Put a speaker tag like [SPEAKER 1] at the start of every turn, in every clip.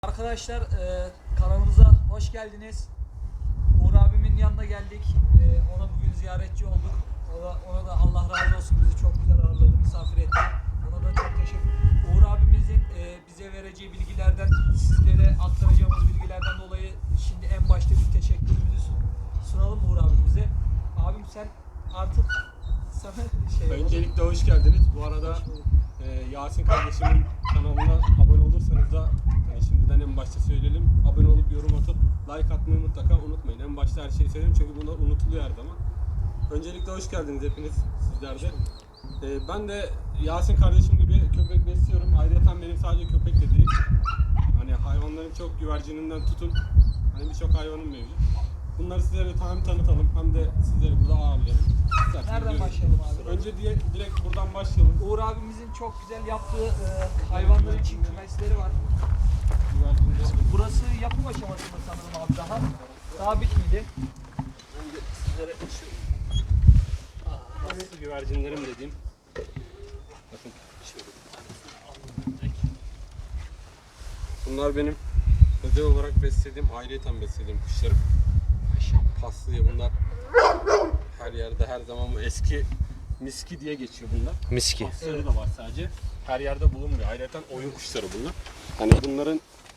[SPEAKER 1] Arkadaşlar kanalımıza hoş geldiniz. Uğur abimin yanına geldik. Ona bugün ziyaretçi olduk. Ona da Allah razı olsun, bizi çok güzel ağırladı, misafir etti. Ona da çok teşekkür. Uğur abimizin bize vereceği bilgilerden, sizlere aktaracağımız bilgilerden dolayı şimdi en başta bir teşekkürümüzü sunalım Uğur abimize. Abim sen artık sana
[SPEAKER 2] Öncelikle hoş geldiniz. Bu arada Yasin kardeşimin kanalına abone olursanız da şimdiden en başta söyleyelim. Abone olup yorum atıp like atmayı mutlaka unutmayın. En başta her şeyi söyleyeyim çünkü bunlar unutuluyor her zaman. Öncelikle hoş geldiniz hepiniz, sizler de. Ben de Yasin kardeşim gibi köpek besliyorum. Ayrıca benim sadece köpek de değil. Hani hayvanların çok güvercininden tutun. Hani birçok hayvanım mevcut. Bunları sizlere hem tanıtalım hem de sizleri burada ağırlayalım.
[SPEAKER 1] nereden başlayalım abi?
[SPEAKER 2] Önce direkt buradan başlayalım.
[SPEAKER 1] Uğur abimizin çok güzel yaptığı hayvanlar için kümesleri var. Burası yapım aşamasında sanırım abi daha. Daha bitmedi.
[SPEAKER 2] Ben de sizlere şu güvercinlerim dediğim. Bakın bunlar benim özel olarak beslediğim, ayrıyeten beslediğim kuşlarım. Paslıya bunlar her yerde her zaman bu eski miski diye geçiyor bunlar.
[SPEAKER 3] Miski.
[SPEAKER 2] Pasları da var sadece. Her yerde bulunmuyor. Ayrıca oyun kuşları bunlar. Hani bunların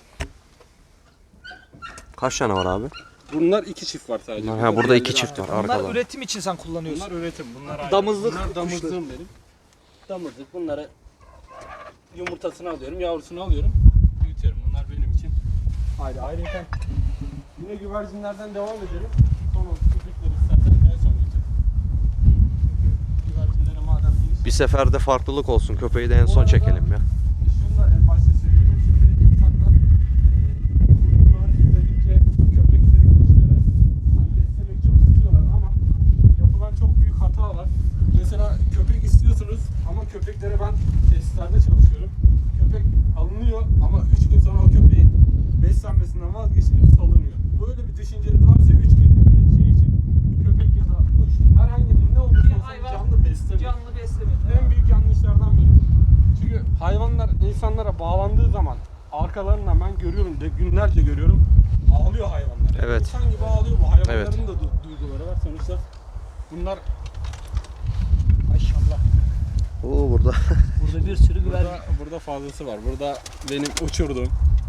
[SPEAKER 3] Kaç tane var abi?
[SPEAKER 2] bunlar iki çift var sadece.
[SPEAKER 3] Ha, burada iki çift var
[SPEAKER 1] Bunlar
[SPEAKER 3] arkada.
[SPEAKER 1] üretim için sen kullanıyorsun.
[SPEAKER 2] Bunlar üretim. Bunlar ayrı.
[SPEAKER 1] Damızlık
[SPEAKER 2] Bunlar damızlığım benim. Damızlık. Bunları yumurtasını alıyorum, yavrusunu alıyorum, büyütüyorum. Bunlar benim için ayrı. Ayrıca yine güvercinlerden devam edelim. Son köpekleri istersen en son geçelim. Çünkü güvercinlere madem geniş.
[SPEAKER 3] Bir seferde farklılık olsun. Köpeği de en son çekelim ya.
[SPEAKER 2] Şunu da en başta söyleyeyim. Şimdi insanlar videoları izledikçe köpekleri, kuşları hani beslemek çok istiyorlar ama yapılan çok büyük hata var. Mesela köpek istiyorsunuz ama köpeklere ben tesislerde çalışıyorum. Köpek alınıyor ama 3 gün sonra o köpeğin beslenmesinden vazgeçilip salınıyor. Böyle bir düşünceniz varsa 3 gün şey için köpek ya da kuş herhangi bir ne olursa olsun canlı beslemeyin.
[SPEAKER 1] Canlı besleme.
[SPEAKER 2] En büyük yanlışlardan biri. Çünkü hayvanlar insanlara bağlandığı zaman arkalarından ben görüyorum de günlerce görüyorum, ağlıyor hayvanlar. Yani
[SPEAKER 3] Evet.
[SPEAKER 2] İnsan gibi ağlıyor bu hayvanların
[SPEAKER 3] Evet.
[SPEAKER 2] da duyguları var sonuçta. Bunlar maşallah.
[SPEAKER 3] Oo burada.
[SPEAKER 1] Burada bir sürü güvercin.
[SPEAKER 2] Burada fazlası var. Burada benim uçurduğum.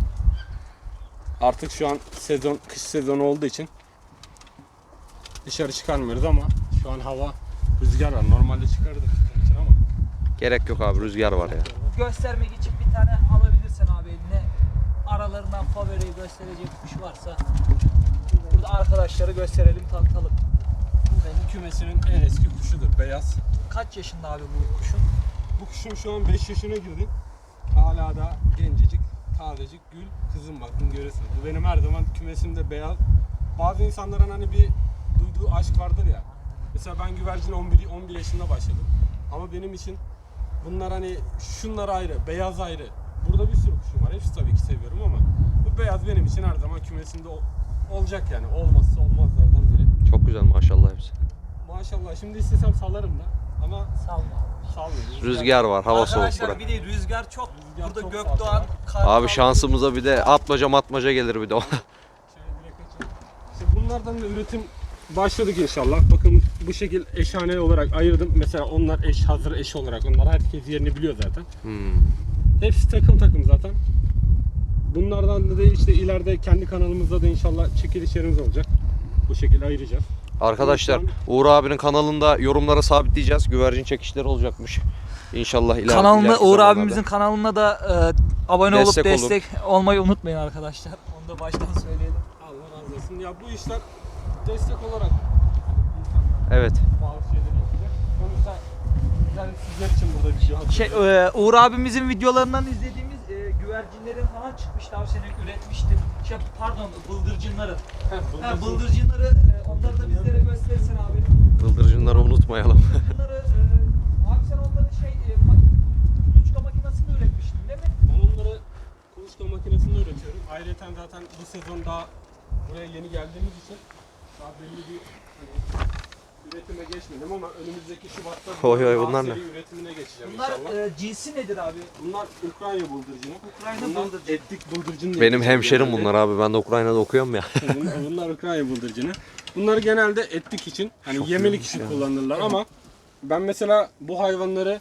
[SPEAKER 2] Artık şu an sezon, kış sezonu olduğu için dışarı çıkarmıyoruz ama şu an hava rüzgar var. Normalde çıkardık bunun için ama
[SPEAKER 3] Gerek yok abi, rüzgar var ya.
[SPEAKER 1] Göstermek için bir tane alabilirsen abi eline. Aralarından favoriyi gösterecek kuş varsa burada arkadaşları gösterelim, tanıtalım.
[SPEAKER 2] bu benim kümesinin en eski kuşudur. Beyaz.
[SPEAKER 1] Kaç yaşında abi bu kuşun?
[SPEAKER 2] Bu kuşum şu an 5 yaşına girdi. Hala da gencecik, tazecik, gül kızım, bakın görüyorsunuz. Bu benim her zaman kümesimde beyaz. Bazı insanların hani bir duyduğu aşk vardır ya. Mesela ben güvercin 11 yaşında başladım. Ama benim için bunlar hani şunlar ayrı, beyaz ayrı. Burada bir sürü kuşum var. Hepsi tabii ki seviyorum ama bu beyaz benim için her zaman kümesimde olacak yani. Olmazsa olmazlardan biri.
[SPEAKER 3] Çok güzel maşallah hepsi.
[SPEAKER 2] Maşallah şimdi istesem salarım da ama
[SPEAKER 1] Salma abi.
[SPEAKER 2] salmıyorum.
[SPEAKER 3] Rüzgar var, hava soğuk
[SPEAKER 1] Arkadaşlar
[SPEAKER 3] bura.
[SPEAKER 1] bir de rüzgar çok.
[SPEAKER 2] Rüzgar
[SPEAKER 1] Burada
[SPEAKER 2] çok
[SPEAKER 1] Gökdoğan,
[SPEAKER 2] fazla.
[SPEAKER 1] Kartal.
[SPEAKER 3] Abi şansımıza bir de atmaca matmaca gelir bir de ona.
[SPEAKER 2] Şöyle direkt açayım. İşte bunlardan da üretim başladık inşallah. Bakın bu şekil eşhane olarak ayırdım. Mesela onlar hazır eş olarak. Onlar herkes yerini biliyor zaten. Hepsi takım takım zaten. Bunlardan da işte ileride kendi kanalımızda da inşallah çekilişlerimiz olacak. Bu şekilde ayıracağız.
[SPEAKER 3] Arkadaşlar Uğur abinin kanalında yorumlara sabitleyeceğiz. Güvercin çekişleri olacakmış. İnşallah
[SPEAKER 1] Kanalında
[SPEAKER 3] ileriki
[SPEAKER 1] Uğur
[SPEAKER 3] zamanlarda.
[SPEAKER 1] abimizin kanalına da abone
[SPEAKER 3] Destek
[SPEAKER 1] olup
[SPEAKER 3] olun.
[SPEAKER 1] destek olmayı unutmayın arkadaşlar. Onu da baştan söyleyelim.
[SPEAKER 2] Allah razı olsun. Ya bu işler destek olarak
[SPEAKER 3] Evet.
[SPEAKER 2] bazı şeyleri yapacak. Sonuçta yani sizler için burada video hazırlıyoruz.
[SPEAKER 1] Uğur abimizin videolarından izlediğimiz güvercinlerin falan çıkmıştı abi, seni üretmişti. Pardon, bıldırcınları. Bıldırcınları onları da bizlere gösterirsen abi.
[SPEAKER 3] Bıldırcınları unutmayalım.
[SPEAKER 1] Bıldırcınları abi sen onları kuluçka makinesinde üretmiştin değil mi?
[SPEAKER 2] Ben onları kuluçka makinesinde üretiyorum. Ayrıca zaten bu sezon daha buraya yeni geldiğimiz için daha belli bir üretime geçmedim ama önümüzdeki Şubat'ta
[SPEAKER 3] Oy oy,
[SPEAKER 2] daha
[SPEAKER 3] bunlar
[SPEAKER 2] seri
[SPEAKER 3] ne?
[SPEAKER 2] üretimine geçeceğim
[SPEAKER 1] Bunlar
[SPEAKER 2] inşallah.
[SPEAKER 1] cinsi nedir abi?
[SPEAKER 2] Bunlar Ukrayna bıldırcını.
[SPEAKER 1] Ukrayna
[SPEAKER 2] Bunlar
[SPEAKER 1] bıldırcını.
[SPEAKER 2] etlik bıldırcın diye
[SPEAKER 3] Benim
[SPEAKER 2] geçiyor
[SPEAKER 3] hemşerim
[SPEAKER 2] genelde.
[SPEAKER 3] bunlar abi. Ben de Ukrayna'da okuyorum ya.
[SPEAKER 2] Bunlar Ukrayna bıldırcını. Bunları genelde etlik için, hani
[SPEAKER 3] Çok
[SPEAKER 2] yemelik
[SPEAKER 3] iyiymiş
[SPEAKER 2] için
[SPEAKER 3] ya.
[SPEAKER 2] kullanırlar ama ben mesela bu hayvanları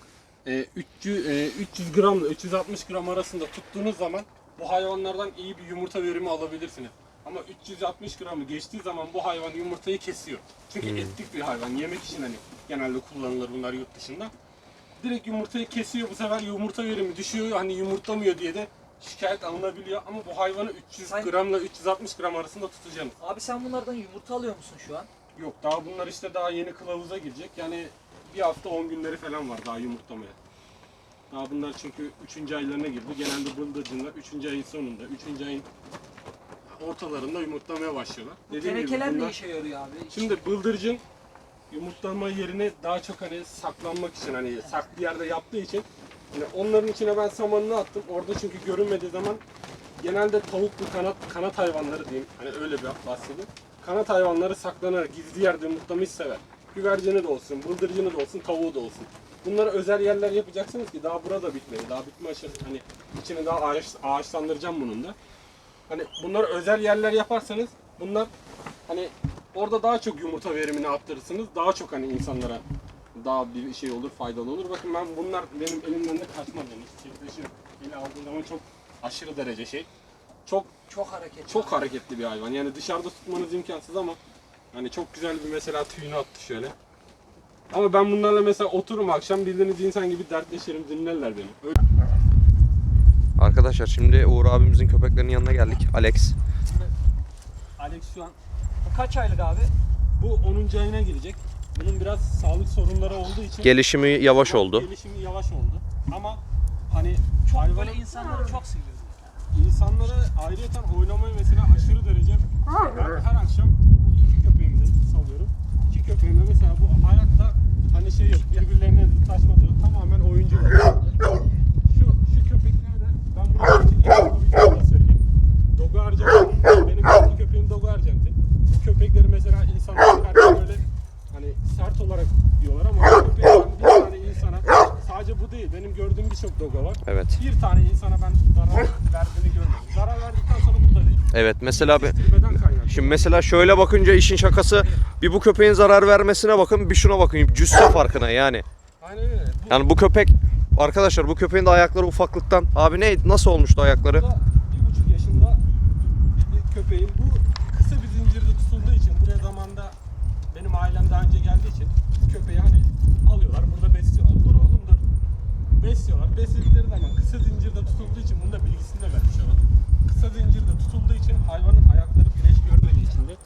[SPEAKER 2] 300 gramla 360 gram arasında tuttuğunuz zaman bu hayvanlardan iyi bir yumurta verimi alabilirsiniz. Ama 360 gramı geçtiği zaman bu hayvan yumurtayı kesiyor. Çünkü etlik bir hayvan. Yemek için hani genelde kullanılır bunlar yurt dışında. Direkt yumurtayı kesiyor. Bu sefer yumurta verimi düşüyor. Hani yumurtlamıyor diye de şikayet alınabiliyor. Ama bu hayvanı 300
[SPEAKER 1] Sen-
[SPEAKER 2] gramla 360 gram arasında tutacaksınız.
[SPEAKER 1] Abi sen bunlardan yumurta alıyor musun şu an?
[SPEAKER 2] Yok, daha bunlar işte daha yeni kılavuza girecek. Yani bir hafta 10 günleri falan var daha yumurtlamaya. Daha bunlar çünkü 3. aylarına girdi. Genelde bıldırcınlar 3. ayın sonunda, 3. ayın ortalarında yumurtlamaya başlıyorlar.
[SPEAKER 1] Bu
[SPEAKER 2] Dediğim gibi
[SPEAKER 1] tenekeler ne
[SPEAKER 2] bunlar-
[SPEAKER 1] işe yarıyor abi?
[SPEAKER 2] Şimdi bıldırcın yumurtlama yerini daha çok hani saklanmak için, hani saklı yerde yaptığı için yani onların içine ben samanını attım. Orada çünkü görünmediği zaman genelde tavuklu kanat hayvanları diyeyim. Hani öyle bir bahsedeyim. Kanat hayvanları saklanarak gizli yerde yumurtlamayı sever. Güvercini de olsun, bıldırcını da olsun, tavuğu da olsun. Bunlara özel yerler yapacaksınız ki daha burada bitmedi. Daha bitme aşaması, hani içini daha ağaçlandıracağım bunun da. Hani bunlara özel yerler yaparsanız bunlar hani orada daha çok yumurta verimini arttırırsınız. Daha çok hani insanlara daha bir şey olur, faydalı olur. Bakın ben bunlar benim elimden de kaçmaz yani. Çiftleşir. Eli aldığım zaman çok aşırı derece şey.
[SPEAKER 1] Çok hareketli.
[SPEAKER 2] Çok hareketli bir hayvan. Yani dışarıda tutmanız imkansız ama hani çok güzel bir mesela tüyünü attı şöyle. Ama ben bunlarla mesela otururum akşam bildiğiniz insan gibi dertleşirim, dinlerler beni. Öyle.
[SPEAKER 3] Arkadaşlar şimdi Uğur abimizin köpeklerinin yanına geldik. Alex.
[SPEAKER 2] Alex şu an
[SPEAKER 1] Bu kaç aylık abi?
[SPEAKER 2] bu 10. ayına girecek. Bunun biraz sağlık sorunları olduğu için
[SPEAKER 3] Gelişimi yavaş oldu.
[SPEAKER 2] Gelişimi yavaş oldu. Ama hani
[SPEAKER 1] Çok
[SPEAKER 2] hayvanın
[SPEAKER 1] böyle insanları çok seviyoruz.
[SPEAKER 2] insanlara ayrıyeten oynamayı mesela aşırı derece ben her akşam bu iki köpeğimden salıyorum. İki köpeğimde mesela bu hayatta hani şey yok, birbirlerine taşmadı yok. Tamamen oyuncular. Şu köpekler de ben bunu bir da söyleyeyim. Dogo Arjantin. Benim iki köpeğim Dogo Arjantin. Bu köpekleri mesela insanlar karşı böyle hani sert olarak diyorlar ama bu köpekten bir tane insana sadece bu değil. Benim gördüğüm birçok Dogo var.
[SPEAKER 3] Evet.
[SPEAKER 2] Bir tane insana ben zarar verdiğini görmedim. Zarar verdikten sonra bu da değil.
[SPEAKER 3] Evet mesela
[SPEAKER 2] Kestirmeden kaynaklı.
[SPEAKER 3] şimdi mesela şöyle bakınca işin şakası bir bu köpeğin zarar vermesine bakın, bir şuna bakın. Cüsse farkına yani.
[SPEAKER 2] Aynen öyle. Bu
[SPEAKER 3] Yani bu köpek arkadaşlar, bu köpeğin de ayakları ufaklıktan. Abi nasıl olmuştu ayakları?
[SPEAKER 2] da 1,5 yaşında bir köpeğim. Bu kısa bir zincirde tutulduğu için buraya zamanda benim ailem daha önce geldiği için köpeği hani alıyorlar burada besliyorlar. Dur oğlum dur. Besliyorlar. Besledikleri zaman kısa zincirde tutulduğu için bunun da bilgisini de vermiş olalım. Kısa zincirde tutulduğu için hayvanın ayakları güneş görmediği için de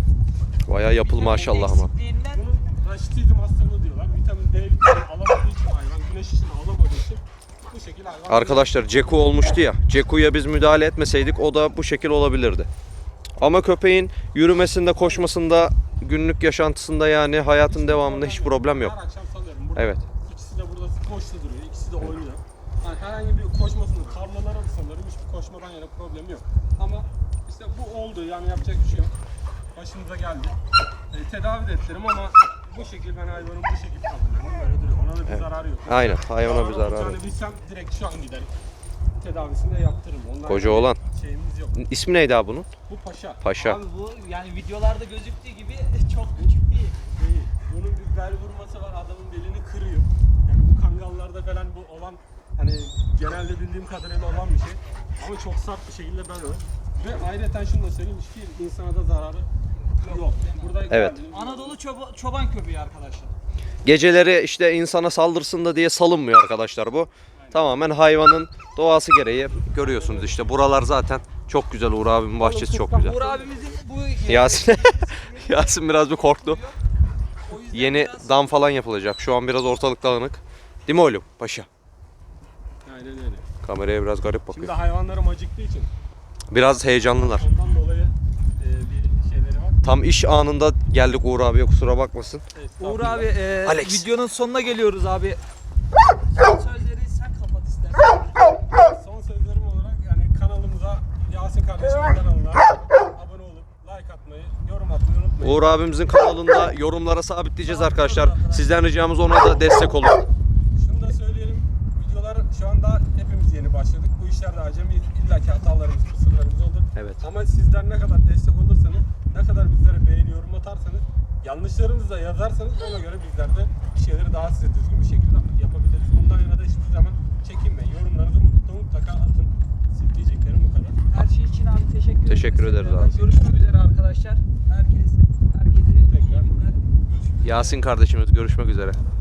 [SPEAKER 3] Bayağı yapıl maşallah ama.
[SPEAKER 1] Eksikliğinden
[SPEAKER 2] bunun raşitizm hastalığı diyorlar. Vitamin D vitamini alamadığı için hayvan, güneş ışını alamadığı için bu şekilde hayvan.
[SPEAKER 3] Arkadaşlar Ceku olmuştu ya. Ceku'ya biz müdahale etmeseydik o da bu şekil olabilirdi. Ama köpeğin yürümesinde, koşmasında, günlük yaşantısında yani hayatın devamında hiç problem yok.
[SPEAKER 2] Her akşam salıyorum. Burada
[SPEAKER 3] Evet.
[SPEAKER 2] İkisi de burada koştu duruyor. İkisi de oynuyor. Yani herhangi bir koşmasını tarlalara da salıyorum. Hiçbir koşmadan yana problem yok. Ama işte bu oldu. Yani yapacak bir şey yok. Başımıza geldi. Tedavi de ettirim ama bu şekil ben hayvanın bu şekil kabul ediyorum. Böyle duruyor. Ona da bir zararı yok.
[SPEAKER 3] Aynen, hayvana bir zararı
[SPEAKER 2] olacağını
[SPEAKER 3] yok.
[SPEAKER 2] bilsem direkt şu an giderim. Tedavisini de yaptırırım. Ondan
[SPEAKER 3] Koca
[SPEAKER 2] yana
[SPEAKER 3] oğlan.
[SPEAKER 2] şeyimiz yok.
[SPEAKER 3] İsmi neydi abi bunun?
[SPEAKER 2] Bu paşa.
[SPEAKER 3] Paşa.
[SPEAKER 1] abi bu yani videolarda gözüktüğü gibi çok küçük değil.
[SPEAKER 2] Değil. Bunun bir bel vurması var, adamın belini kırıyor. Yani bu kangallarda falan bu olan hani genelde bildiğim kadarıyla olan bir şey. Ama çok sert bir şekilde ben öyle. Ve ayrıca şunu da söyleyeyim, hiçbir insana da zararı yok. Burada
[SPEAKER 3] Evet.
[SPEAKER 1] Anadolu çoban köpeği arkadaşlar.
[SPEAKER 3] Geceleri işte insana saldırsın da diye salınmıyor arkadaşlar bu. Tamamen hayvanın doğası gereği. Görüyorsunuz işte buralar zaten çok güzel. Uğur abimin bahçesi çok güzel.
[SPEAKER 1] Uğur abimizin bu
[SPEAKER 3] Yasin Yasin biraz bir korktu.
[SPEAKER 1] o yüzden
[SPEAKER 3] Yeni
[SPEAKER 1] biraz
[SPEAKER 3] dam falan yapılacak. Şu an biraz ortalık dağınık. Değil mi oğlum? Paşa.
[SPEAKER 2] Aynen öyle.
[SPEAKER 3] Kameraya biraz garip
[SPEAKER 2] Şimdi
[SPEAKER 3] bakıyor.
[SPEAKER 2] hayvanlarım acıktığı için
[SPEAKER 3] Biraz heyecanlılar.
[SPEAKER 2] ondan dolayı bir şeyleri var.
[SPEAKER 3] Tam iş anında geldik Uğur abiye, kusura bakmasın.
[SPEAKER 1] Uğur abi
[SPEAKER 3] Alex.
[SPEAKER 1] videonun sonuna geliyoruz abi. Son sözleri sen kapat istersen.
[SPEAKER 2] Son sözlerim olarak yani kanalımıza, Yasin kardeşimin kanalına abone olup like atmayı, yorum atmayı unutmayın.
[SPEAKER 3] Uğur abimizin kanalında yorumlara sabitleyeceğiz arkadaşlar. Sizden ricamız ona da destek olun.
[SPEAKER 2] Şunu da söyleyelim. Videolar şu anda hepimiz yeni başladık. Bu işlerde acemiyiz. İlla ki hatalarımız, kusurlarımız olur.
[SPEAKER 3] Evet.
[SPEAKER 2] Ama sizler ne kadar destek olursanız, ne kadar bizlere beğeni, yorum atarsanız, yanlışlarınızı da yazarsanız ona göre bizler de bir şeyleri daha size düzgün bir şekilde yapabiliriz. Ondan yana da hiçbir zaman çekinmeyin. Yorumlarınızı mutlaka atın. Siz diyeceklerim bu kadar.
[SPEAKER 1] Her şey için abi teşekkür ederiz.
[SPEAKER 3] Teşekkür ederiz abi.
[SPEAKER 1] Görüşmek üzere arkadaşlar. Herkese iyi günler.
[SPEAKER 2] Tekrar görüşürüz.
[SPEAKER 3] Yasin kardeşimiz görüşmek üzere.